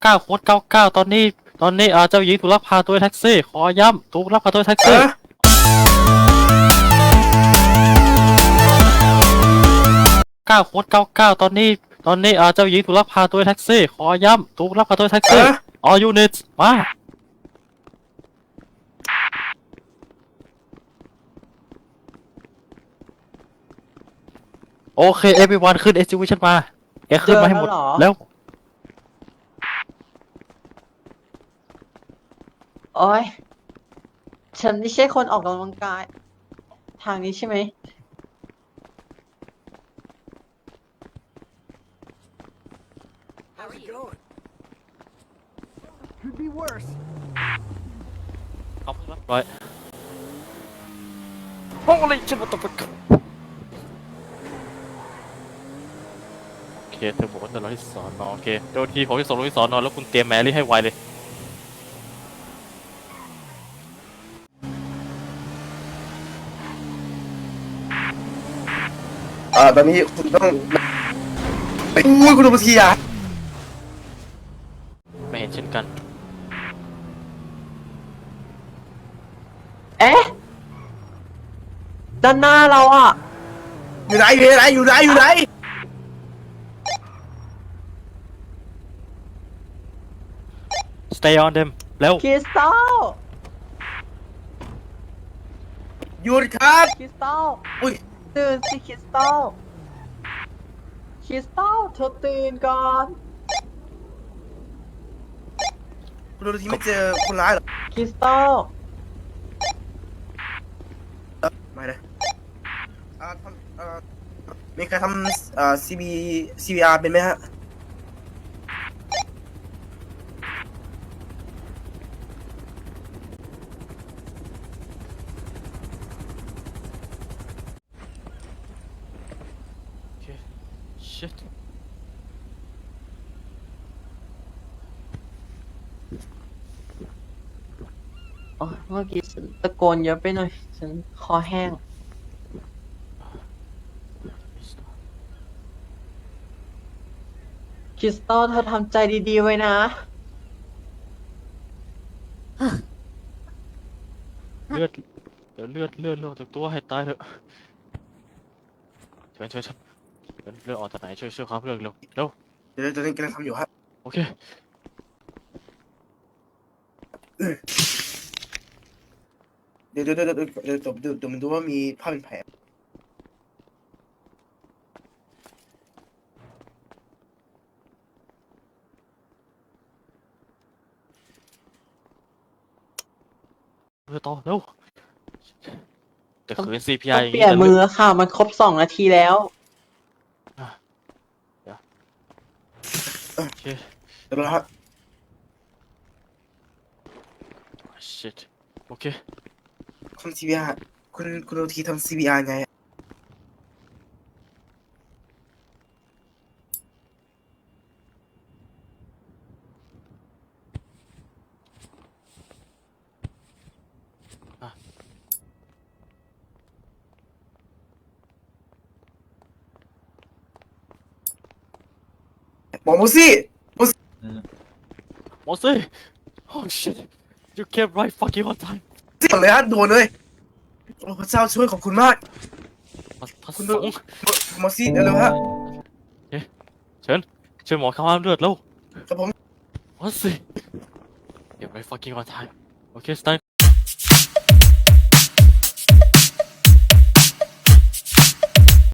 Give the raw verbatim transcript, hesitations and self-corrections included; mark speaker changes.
Speaker 1: เก้าโค้ดเก้าเก้าตอนนี้ตอนนี้อ่าเจ้าหญิงถูกลักพาตัวแท็กซี่ขอย้ำถูกลักพาตัวแท็กซี่เก้าโค้ดเก้าเก้าตอนนี้ตอนนี้อ่าเจ้าหญิงถูกลักพาตัวแท็กซี่ขอย้ำถูกลักพาตัวแท็กซี่ all units มาโอเค everyone ขึ้น exhibition มาแกขึ้นมาให้หมดแล้ว
Speaker 2: โอ้ยฉันไม่ใช่คนออกกำลังกาย ทางนี้ใช่ไหม
Speaker 3: How's it going? Could be worse.
Speaker 1: เอาเพิ่งรับร้อยโอ้ยฉันมาตบไปโอเคเธอบอกว่าจะรอที่สอนอโอเคเดี๋ยวทีผมจะส่งลงที่สอนอแล้วคุณเตรียมแมรี่ให้ไวเลย
Speaker 4: อ่าตอนนี้คุณต้องไปอุ้ยคุณดูมาทีอ่ะ
Speaker 1: ไม่เห็นเช่นกัน
Speaker 2: เอ๊ะ ด้านหน้าเราอ่ะ
Speaker 4: อยู่ไหนอยู่ไหนอยู่ไหนอยู่ไหน
Speaker 1: stay on them แล้ว
Speaker 2: คริสตัล
Speaker 4: หยุดครับ
Speaker 2: คริสตัล
Speaker 4: อุ้ย
Speaker 2: ตื่นสิคริสตัล คริสตัลเธอตื่นก่อน
Speaker 4: คุณดูทีไม่เจอคนร้ายเหรอ
Speaker 2: คริสตัล
Speaker 4: เอ่อไม่เลยอ่าทำอ่ามีใครทำอ่า ซี บี ซี บี อาร์ เป็นไหมฮะ
Speaker 1: โอเค shit
Speaker 2: อ๋อเมื่อกี้ฉันตะโกนเยอะไปหน่อย ฉันคอแห้ง คริสตัลเธอทำใจดีๆไว้นะ
Speaker 1: เลือดเดี๋ยวเลือดเลือดเลือดจากตัวให้ตายเถอะช่วยช่วยช่วยเลือดออกจากไหนช่วยช่วยเขาเลือดเร็วเร็ว
Speaker 4: เดี๋ยวตอนนี้กำลังทำอยู่ฮะ
Speaker 1: โอเค
Speaker 4: เดี๋ยวเดี๋ยวเดี๋ยวเดี๋ยวเดี๋ยวเดี๋ยวเดี๋ยวมันดูว่ามีผ้าเป็นแผล
Speaker 1: เลือดต่อเร็วแต่ขืน ซี พี
Speaker 2: ต้
Speaker 1: อา
Speaker 2: อ
Speaker 1: ร์ อย่าง
Speaker 2: งเปลี่ยน
Speaker 1: จะ
Speaker 2: มื
Speaker 1: เลื
Speaker 2: อ
Speaker 1: อด
Speaker 2: ค่ะ มันครบสองนาทีแล้ว
Speaker 1: โอเค
Speaker 4: เดี๋ยวนะครับ
Speaker 1: shit โอเค
Speaker 4: ทำ ซี บี อาร์ คุณคุณดูทีทำ ซี บี อาร์ ไงอะหมอมูซี่
Speaker 1: โมซี่ oh shit you came right fucking on time
Speaker 4: ซี่ก่อนเลยฮะด่วนเลยโอ้พระเจ้าช่วยขอบคุณมาก
Speaker 1: พัส
Speaker 4: คุณ
Speaker 1: ส
Speaker 4: ดู
Speaker 1: ง
Speaker 4: หมอซี่เร็วๆฮะ
Speaker 1: เอ๊ะเชิญช่วยหมอข้ามห้ามเลือดแล้ว
Speaker 4: ครับผม
Speaker 1: โมซี่ you're right fucking on time โอเค stand